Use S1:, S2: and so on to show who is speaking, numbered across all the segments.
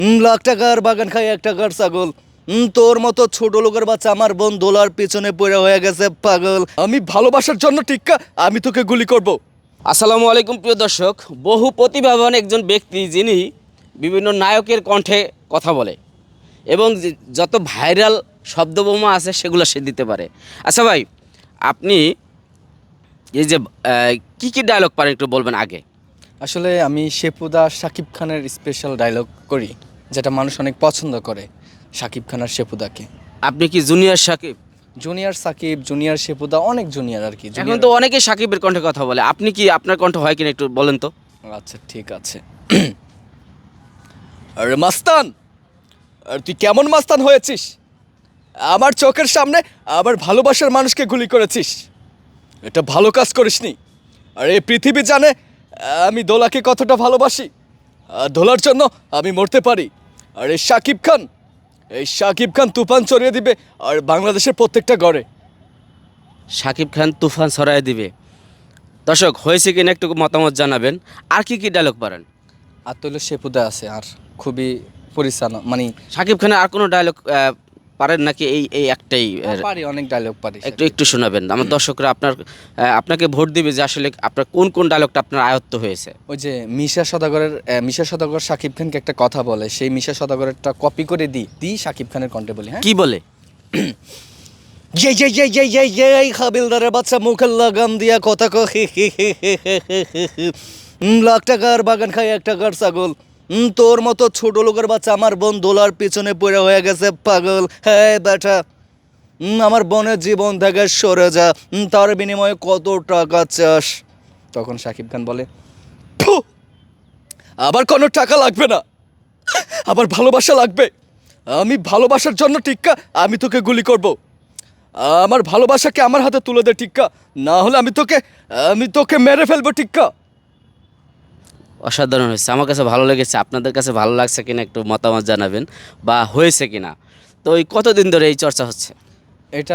S1: লাখ টাকার বাগান খাই 1 টাকার ছাগল। তোর মতো ছোট লোকের বাচ্চা আমার বোন দোলার পেছনে পড়ে হয়ে গেছে পাগল। আমি ভালোবাসার জন্য টিক্কা, আমি তোকে গুলি করব।
S2: আসসালামু আলাইকুম প্রিয় দর্শক। বহু প্রতিভাবান একজন ব্যক্তি যিনি বিভিন্ন নায়কের কণ্ঠে কথা বলে এবং যত ভাইরাল শব্দবোমা আছে সেগুলো সে দিতে পারে। আচ্ছা ভাই, আপনি এই যে কি কি ডায়লগ পারেন একটু বলবেন আগে।
S1: আসলে আমি শেপুদা শাকিব খানের স্পেশাল ডায়লগ করি, যেটা মানুষ অনেক পছন্দ করে শাকিব খান আর শেপুদাকে।
S2: আপনি কি junior Sakib?
S1: Junior Sakib, junior শেপুদা, অনেক জুনিয়র আর কি।
S2: এখন তো অনেকে সাকিবের কণ্ঠে কথা বলে, আপনি কি আপনার কণ্ঠ হয় কিনা একটু বলেন তো।
S1: আচ্ছা ঠিক আছে। আরে মাস্তান, আর তুই কেমন মাস্তান হয়েছিস? আমার চোখের সামনে আবার ভালোবাসার মানুষকে গুলি করেছিস। এটা ভালো কাজ করিসনি। আর এই পৃথিবী জানে আমি দোলাকে কতটা ভালোবাসি। আর দোলার জন্য আমি মরতে পারি। আর এই শাকিব খান তুফান চড়িয়ে দিবে আর বাংলাদেশের প্রত্যেকটা ঘরে।
S2: সাকিব খান তুফান ছড়ায় দিবে। দর্শক, হয়েছে কিনা একটু মতামত জানাবেন। আর কি কি ডায়লগ পারেন?
S1: আর তৈল শেপুদা আছে, আর খুবই পরিচালনা মানে
S2: সাকিব খানের আর কোনো ডায়লগ পারেন নাকি এই এই একটাই?
S1: পারি, অনেক ডায়লগ পারি।
S2: একটু একটু শোনাবেন আমার দর্শকরা, আপনাকে ভোট দিবে যে আসলে আপনার কোন কোন ডায়লগটা আপনার আয়ত্ত হয়েছে।
S1: ওই যে মিশা সদাগর শাকিব খানকে একটা কথা বলে, সেই মিশা সদাগরেরটা কপি করে দিই শাকিব খানের কণ্ঠে বলি। হ্যাঁ,
S2: কি বলে?
S1: এই হাবিলদারের বাচ্চা মুখের লাগাম দিয়া কথা লাখ টাকার বাগান খাই 1 টাকার ছাগল। তোর মতো ছোট লোকের বাচ্চা আমার বোন দোলার পিছনে পড়ে হয়ে গেছে পাগল। হ্যাঁ বেটা, আমার বোনের জীবন থেকে সরে যা, তার বিনিময়ে কত টাকা চাস? তখন শাকিব খান বলে, "ফু, আবার কোনো টাকা লাগবে না, আবার ভালোবাসা লাগবে। আমি ভালোবাসার জন্য টিক্কা, আমি তোকে গুলি করব। আমার ভালোবাসাকে আমার হাতে তুলে দে টিক্কা, না হলে আমি তোকে মেরে ফেলবো টিক্কা।"
S2: অসাধারণ হয়েছে, আমার কাছে ভালো লেগেছে। আপনাদের কাছে ভালো লাগছে কিনা একটু মতামত জানাবেন, বা হয়েছে কিনা। তো এই কতদিন ধরে এই চর্চা হচ্ছে?
S1: এটা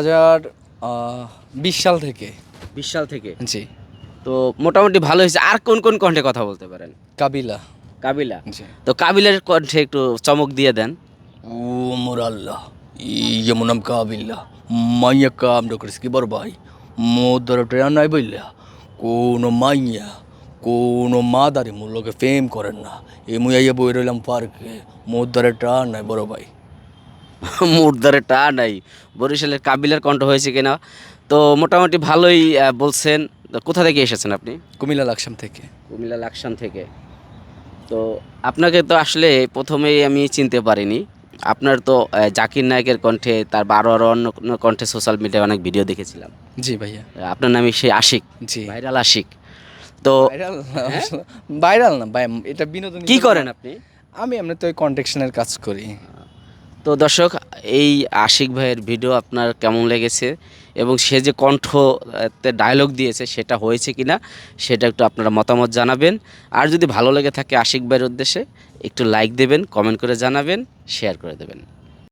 S1: 2020 সাল থেকে।
S2: 20 সাল থেকে?
S1: জি।
S2: তো মোটামুটি ভালো হয়েছে। আর কোন কোন কণ্ঠে কথা বলতে পারেন?
S1: কাবিলা।
S2: কাবিলা?
S1: জি।
S2: তো কাবিলার কণ্ঠে একটু চমক দিয়ে দেন।
S1: ও মোর আল্লাহ, যেমন নাম কাবিল্লা, মাইয়া কাম ডকরিস কি বড় ভাই, মোদর ট্রেন নাই বললা, কোনো মাদারি মোর লোকে ফেম করেন না। এই মুইয়া বই রইলাম পার্কে, মোদরে টান নাই বড় ভাই।
S2: মুর্দারে টা নাই। বরিশালের কাবিলার কণ্ঠ হয়েছে কিনা? তো মোটামুটি ভালোই বলছেন। তো কোথা থেকে এসেছেন আপনি?
S1: কুমিল্লা লাকসাম থেকে।
S2: কুমিল্লা লাকসাম থেকে। তো আপনাকে তো আসলে প্রথমেই আমি চিনতে পারিনি। আপনার তো জাকির নায়কের কণ্ঠে, তার আরও অন্য কোনো কণ্ঠে সোশ্যাল মিডিয়ায় অনেক ভিডিও দেখেছিলাম।
S1: জি ভাইয়া।
S2: আপনার নামই সেই আশিক,
S1: জি।
S2: ভাইরাল আশিক। তো
S1: ভাইরাল না, ভাইরাল না ভাই, এটা বিনোদন।
S2: কি করেন আপনি?
S1: আমি এমনি তো ওই কন্ট্রাকশনের কাজ করি।
S2: তো দর্শক, এই আশিক ভাইয়ের ভিডিও আপনার কেমন লেগেছে এবং সে যে কণ্ঠতে ডায়লগ দিয়েছে সেটা হয়েছে কিনা সেটা একটু আপনারা মতামত জানাবেন। আর যদি ভালো লেগে থাকে আশিক ভাইয়ের উদ্দেশ্যে একটু লাইক দেবেন, কমেন্ট করে জানাবেন, শেয়ার করে দেবেন।